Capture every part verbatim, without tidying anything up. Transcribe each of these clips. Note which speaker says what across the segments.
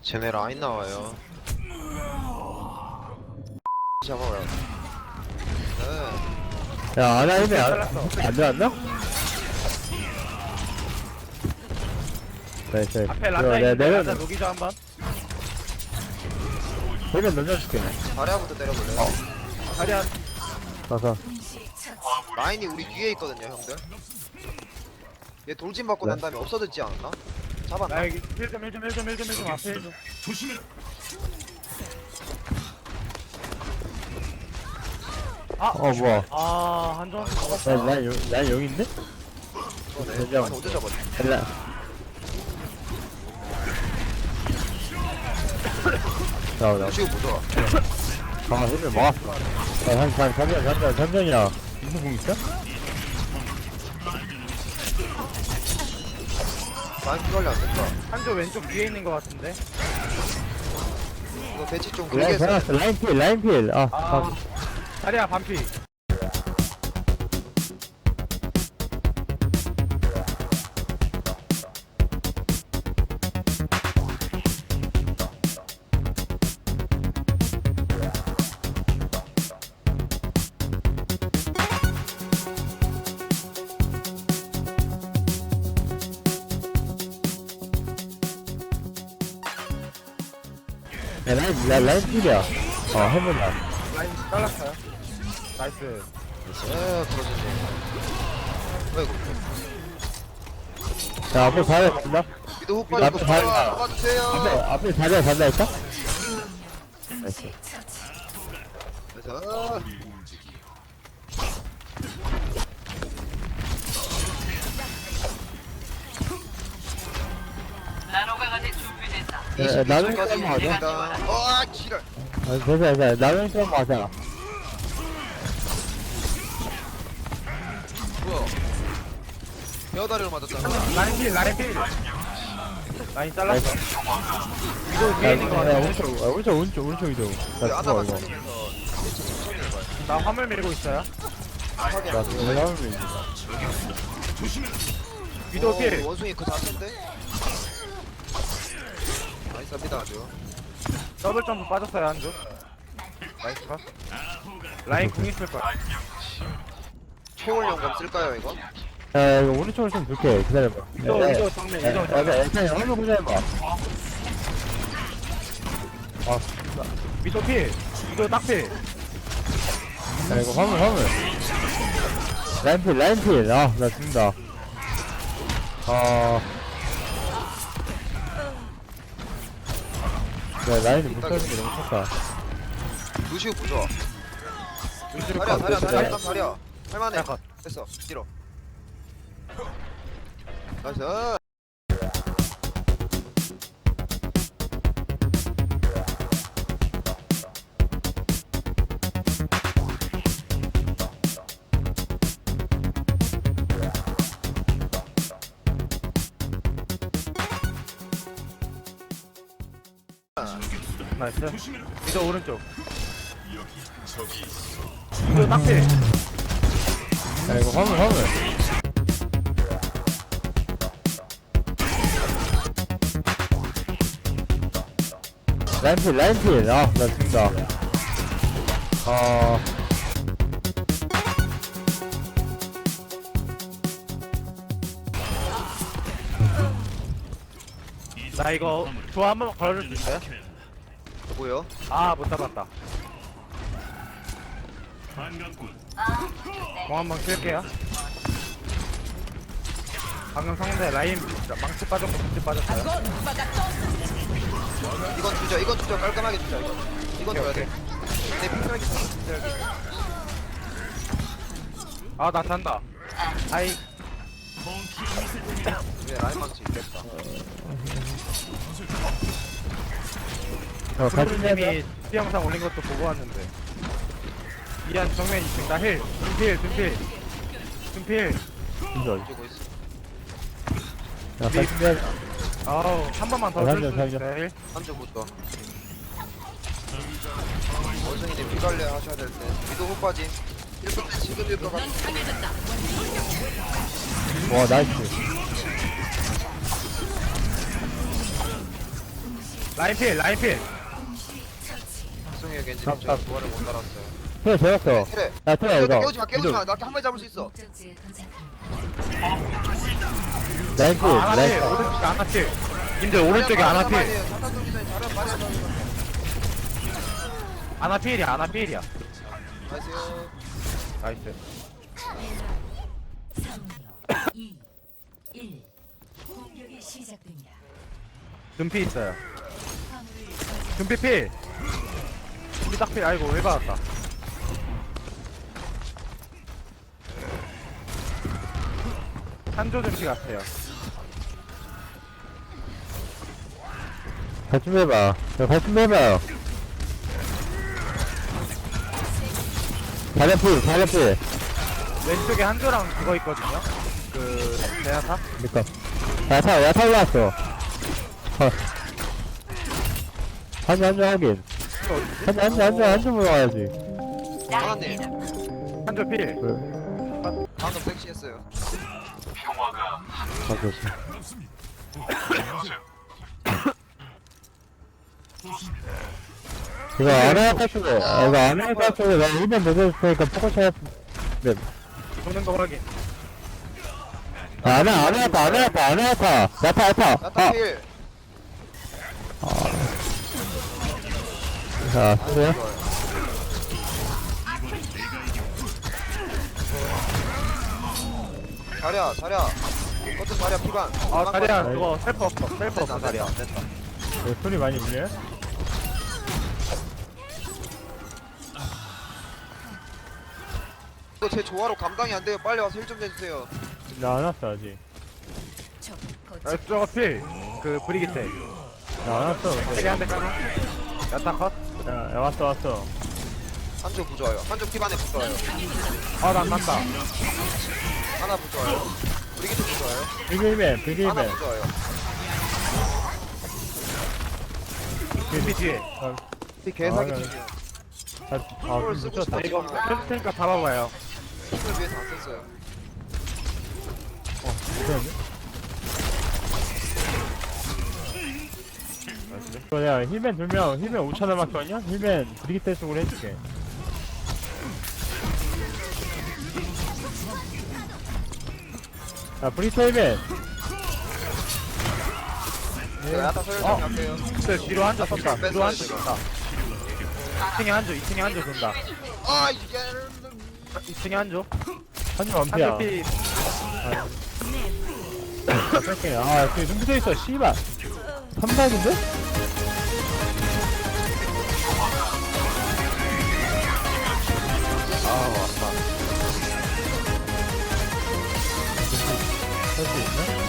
Speaker 1: 쟤네 라인 나와요. 잡아요. 네.
Speaker 2: 야, 아나 힘이 안, 안 들어왔나? 네, 네.
Speaker 3: 앞에
Speaker 2: 이거
Speaker 3: 라자
Speaker 2: 내가
Speaker 3: 있는데 라자
Speaker 2: 내면,
Speaker 3: 녹이죠 한번.
Speaker 2: 내면 던져줄게.
Speaker 1: 다리아부터 때려볼래요?
Speaker 3: 자리야.
Speaker 2: 가서.
Speaker 1: 라인이 우리 뒤에 있거든요, 형들. 얘 돌진 받고
Speaker 2: 네.
Speaker 1: 난 다음에 없어졌지 않았나? 잡았나?
Speaker 3: 나 여기 일 점 일 점 일 점 일 점 일 점 앞에 일 점. 아,
Speaker 2: 어, 뭐야.
Speaker 3: 아 한점
Speaker 2: 나,
Speaker 3: 먹었다.
Speaker 2: 난 용, 난 용인데?
Speaker 1: 네.
Speaker 2: 진짜.
Speaker 1: 아니, 어제 잡았지?
Speaker 2: 일라. 나, 나,
Speaker 1: 루시우 보조아.
Speaker 2: 아, 힘을 막았어. 야, 한, 한, 삼전, 삼전, 삼전이야. 무슨 공 있어?
Speaker 1: 라인 피 관리 안 됐다.
Speaker 3: 한조 왼쪽 뒤에 있는 것 같은데.
Speaker 1: 이거 배치 좀 길게
Speaker 2: 라인
Speaker 1: 했어.
Speaker 2: 변했어. 라인 필, 라인 필. 아,
Speaker 3: 아,
Speaker 2: 아.
Speaker 3: 자리야 반피.
Speaker 2: 야, 라인, 라, 라인 필이야. 어, 해본다.
Speaker 3: 라인 잘랐어요. 나이스.
Speaker 1: 에, 그러지. 아이고.
Speaker 2: 자, 앞으로 가야 된다.
Speaker 1: 미드 훅
Speaker 2: 앞에
Speaker 1: 빠지고
Speaker 2: 발-
Speaker 1: 좋아. 도와주세요.
Speaker 2: 앞에, 앞에 자리야, 잔다 했다? 나이스.
Speaker 1: 그래서
Speaker 2: 야, 나는
Speaker 1: 이십
Speaker 2: 좀 하자.
Speaker 1: 일단 어, 지랄.
Speaker 2: 아, 됐어, 됐어. 나는 좀 하자.
Speaker 1: 뭐야? 헤어다리로 맞았잖아.
Speaker 3: 라인 필 라인 필. 라인 잘랐어. 위도
Speaker 2: 야,
Speaker 3: 뒤에 있는 것
Speaker 2: 야,
Speaker 3: 같은데.
Speaker 2: 오른쪽, 야, 오른쪽, 오른쪽, 오른쪽 이동. 나
Speaker 1: 왜
Speaker 2: 죽어,
Speaker 1: 아나만
Speaker 2: 이거.
Speaker 1: 살리면서 배치 천천히 해봐요.
Speaker 3: 나 화물 밀고 있어요.
Speaker 1: 확인.
Speaker 2: 나 지금 올라오는 거 있어.
Speaker 3: 위도
Speaker 1: 어,
Speaker 3: 필.
Speaker 1: 원숭이 그 자체인데? 나이스합니다 아주.
Speaker 3: 더블 점프 빠졌어요 한조. 나이스 컷. 라인 궁 있을 거야.
Speaker 1: 초월 연금 쓸까요 이거?
Speaker 2: 야, 이거 오른쪽으로 좀 줄게. 기다려봐.
Speaker 3: 위도
Speaker 2: 야,
Speaker 3: 위도 정면
Speaker 2: 야,
Speaker 3: 위도
Speaker 2: 야,
Speaker 3: 정면.
Speaker 2: 야, 일단 화면 보자 해봐. 아,
Speaker 3: 위도 필. 위도 딱 필.
Speaker 2: 야, 이거 화물, 화물. 라인필, 라인필. 아, 나 죽는다. 아. 야, 라인을 못 살리는 게 너무 컸다.
Speaker 1: 루시우 부좋아.
Speaker 3: 루시를
Speaker 1: 다리야
Speaker 3: 컷.
Speaker 1: 다리야 다리야
Speaker 2: 네.
Speaker 1: 일단 다리야. 할만해.
Speaker 3: 자, 컷.
Speaker 1: 됐어. 뒤로. 나이스.
Speaker 3: 나이스. 위도 오른쪽. 위도 딱 필.
Speaker 2: 야, 이거 화물, 화물. 라인필, 라인필. 아, 나 죽는다. 아.
Speaker 3: 나 이거 좋아 한번 걸어줄 수 있어요?
Speaker 1: 뭐요?
Speaker 3: 아 못 잡았다. 공 한번 쓸게요. 방금 상대 라인 망치 빠졌고 망치 빠졌어요.
Speaker 1: 이건 주죠. 이건 주죠. 깔끔하게 주자 이거. 이건 줘야 돼. 내 핑크하게 핑크하게.
Speaker 3: 아나 잔다. 아이
Speaker 1: 왜 라인 망치 있겠다.
Speaker 2: 어, 같이 해야
Speaker 3: 님이 티 영상 올린 것도 보고 왔는데. 이한 정면 이층 나 힐. 둔필 둔필 둔필.
Speaker 2: 진짜.
Speaker 1: 주고 있어.
Speaker 2: 야, 같이 해야
Speaker 3: 아우 한 번만 더
Speaker 2: 아,
Speaker 3: 줄 수
Speaker 2: 살려,
Speaker 3: 있어요 힐.
Speaker 1: 한쪽부터. 원숭이님 피 관리 하셔야 될 때. 위도 훅 빠짐. 일분 지금 일분 가.
Speaker 2: 와, 나이스.
Speaker 3: 라인 필 라인 필
Speaker 1: 승우의 겐지
Speaker 2: 나- 나-
Speaker 1: 제가 조화를 못 따랐어요.
Speaker 2: 그래 재웠어
Speaker 1: 그래.
Speaker 2: 야 그래 이거
Speaker 1: 깨우지 마, 깨우지 마. 나 한 마리 잡을 수 있어.
Speaker 4: 목적지에 도착합니다.
Speaker 2: 라인필
Speaker 3: 아 아나필
Speaker 2: 라인필
Speaker 3: 오른쪽에 아나필 님들 오른쪽에 아나필
Speaker 1: 잠깐 돌기 전에 자료 말해야 돼.
Speaker 3: 아나필이야 아나필이야
Speaker 1: 안녕하세요.
Speaker 3: 나이스
Speaker 4: 삼, 이, 일. 공격이 시작됩니다.
Speaker 3: 금피 있어요
Speaker 4: 화물을 저장.
Speaker 3: 금피 필 우리 딱필 아이고 왜 받았다 한조 금피 같아요
Speaker 2: 발좀 해봐 발좀 해봐요 자리필 자리필
Speaker 3: 왼쪽에 한조랑 그거 있거든요 그 대야타
Speaker 2: 그니까 야타 야타 올라왔어 어. 한주 한주 하긴 한주 한주 한주 한주 모아야지
Speaker 1: 하나님,
Speaker 3: 한조 필
Speaker 1: 방금 섹시했어요.
Speaker 2: 맞았어 이거 안해야 탈출해 이거 안해야 탈출해 나 일면 먹을 테니까 포커스 해 네.
Speaker 3: 도는 거 확인
Speaker 2: 안해 안해 야타 안해 야타 안해 야타 야타 야타
Speaker 1: 야타
Speaker 2: 아
Speaker 1: 필.
Speaker 2: 자 쓰세요
Speaker 1: 자랴, 자랴. 어떤 자랴 피반.
Speaker 3: 아 자리야 그거 셀프 없어 셀프 없어
Speaker 1: 안
Speaker 3: 자리야
Speaker 1: 된다, 안 된다.
Speaker 2: 네, 소리 많이 울려요?
Speaker 1: 이거 제 조화로 감당이 안 돼요. 빨리 와서 힐 좀 내주세요.
Speaker 2: 나 안 왔어 아직
Speaker 4: 적
Speaker 3: 아
Speaker 4: 거점.
Speaker 3: 저거 필그 브리기테
Speaker 2: 나 안 왔어 근데.
Speaker 3: 세게 한대 까나 야타 컷
Speaker 2: 야, 야 왔어 왔어
Speaker 1: 한쪽 부좋아요. 한쪽 피반에 부좋아요.
Speaker 3: 아나 안 난다
Speaker 1: 하나 부좋아요. 브리기트 부좋아요.
Speaker 2: 비글맨
Speaker 1: 하나
Speaker 2: 비글맨
Speaker 1: 부좋아요.
Speaker 3: 금피 뒤에
Speaker 1: 이 개사기
Speaker 2: 아,
Speaker 1: 팀이요.
Speaker 2: 아, 아
Speaker 1: 이걸 쓰고
Speaker 2: 미쳤다
Speaker 1: 싶다.
Speaker 3: 이거 펼칠 테니까 잡아봐요
Speaker 1: 힘을 위해서 안 썼어요.
Speaker 2: 어 미쳤는데? 이거 내가 힐맨 두명 힐맨 오천 원밖에 없냐? 힐맨 브리기테 쪽으로 해줄게 야 브리기테 힐맨
Speaker 1: 제가 야타 서열
Speaker 3: 어.
Speaker 1: 좀 갈게요.
Speaker 3: 근데 뒤로 한조 돈다 뒤로
Speaker 1: 뺐어요,
Speaker 3: 한조
Speaker 1: 지금.
Speaker 3: 돈다 이 층에 한조 이 층에 한조 돈다
Speaker 1: 아, 이게.
Speaker 3: 이 층에 한조
Speaker 2: 한줄 완피야
Speaker 3: 한조 피
Speaker 2: 아 뺄게 아 저기 눈 붙어있어 씨발 삼박인데?
Speaker 3: 아 왔다
Speaker 2: 할수 있나?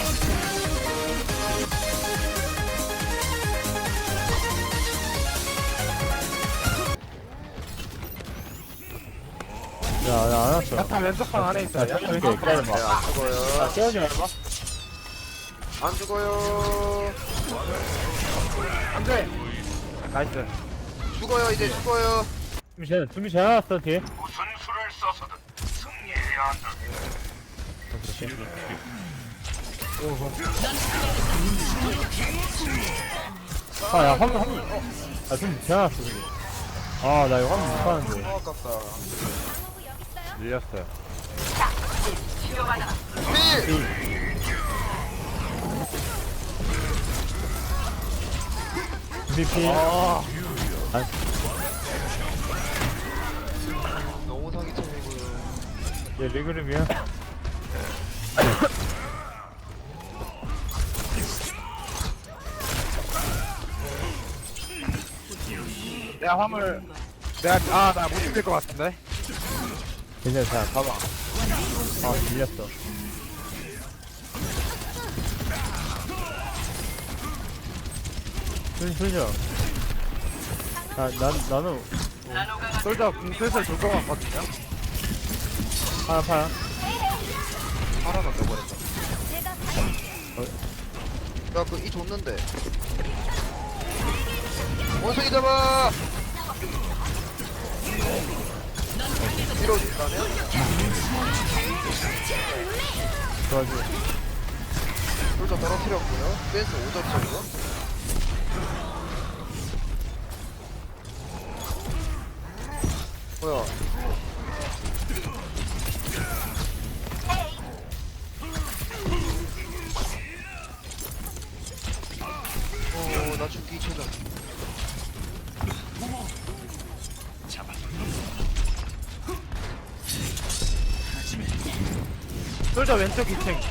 Speaker 2: 야, 나 안 왔어.
Speaker 3: 야타 왼쪽 방 안에
Speaker 2: 야,
Speaker 3: 있어요
Speaker 2: 저기 이렇게 기다려봐.
Speaker 1: 네, 안 죽어요.
Speaker 2: 야, 깨우지 말봐.
Speaker 1: 안 죽어요.
Speaker 3: 안돼 나이스
Speaker 1: 죽어요, 이제 죽어요.
Speaker 2: 준비 잘, 준비 잘 나왔어, 뒤에. 아, 야, 화면, 화면. 어. 아, 준비 잘 나왔어, 준비. 아, 나 이거 화면 못 봤는데.
Speaker 1: 아, 아깝다.
Speaker 3: 밀렸어요
Speaker 1: 필!
Speaker 2: 준비 피.
Speaker 3: 아
Speaker 1: 너무 사기cham이고요.
Speaker 2: 얘 리그룹이야.
Speaker 3: 내가 화물 내가 아나 못 죽일 것 같은데
Speaker 2: 괜찮아, 자, 가봐. 아, 밀렸어. 순, 순이야. 아, 난, 나는,
Speaker 3: 솔저 궁 슬슬 돌것 같거든요
Speaker 2: 하나 파야.
Speaker 1: 하나 더 떠버렸다. 야, 그, 이 줬는데. 원숭이 잡아! 뒤로 가면?
Speaker 2: 도와줘.
Speaker 1: 솔저 떨어뜨렸고요. 댄스 오 점이죠, 이거? 뭐야? 어, 나 죽기 최전.
Speaker 3: 솔저 왼쪽 이 층.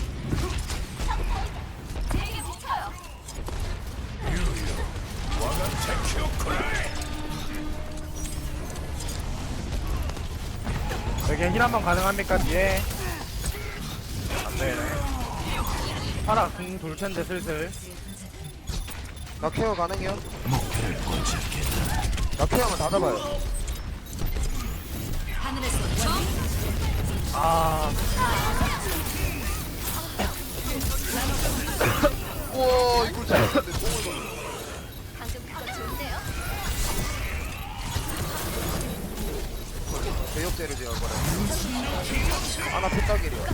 Speaker 3: 여기 힐 한번 가능합니까 뒤에? 안되네. 파라 궁 돌텐데 슬슬.
Speaker 1: 나 케어 가능해요? 나 케어만 다 잡아요.
Speaker 4: 하늘에서 정
Speaker 3: 아
Speaker 1: 우와, 이걸 잘했는데 뽕을 먹네.
Speaker 4: 방금 그거 좋은데요?
Speaker 1: 대역죄를 제가 거래. 하나 피딱이래요.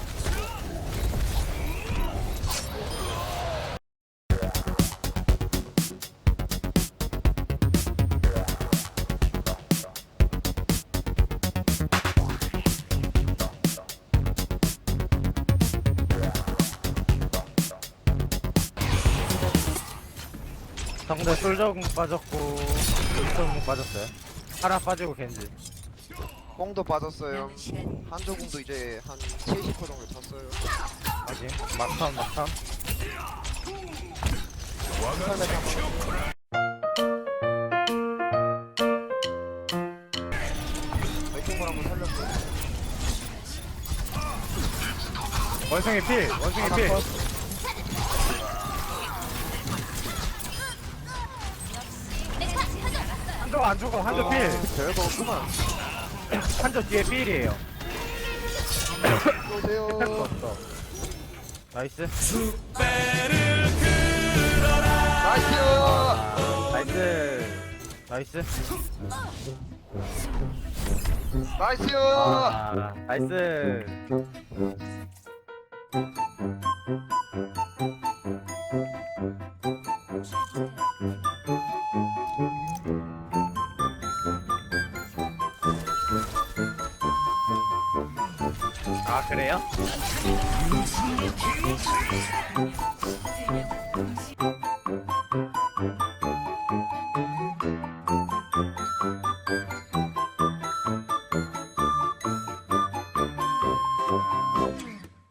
Speaker 3: 상대 솔저 궁 빠졌고 솔저 궁 빠졌어요. 파라 빠지고 겐지.
Speaker 1: 뽕도 빠졌어요.
Speaker 4: 남은 시간
Speaker 1: 한조궁도 이제 한 칠십 퍼센트 정도 찼어요.
Speaker 3: 아직 막탐 막탐.
Speaker 1: 이쪽으로 한번 살렸고.
Speaker 3: 원숭이 필 원숭이 필. 한조 안 죽어 한조 필.
Speaker 1: 별거 없구만.
Speaker 3: 한조 뒤에 필이에요.
Speaker 1: 오세요.
Speaker 3: 없어. 나이스.
Speaker 1: 나이스.
Speaker 3: 나이스. 나이스.
Speaker 1: 나이스.
Speaker 3: 아, 나이스. 아 그래요?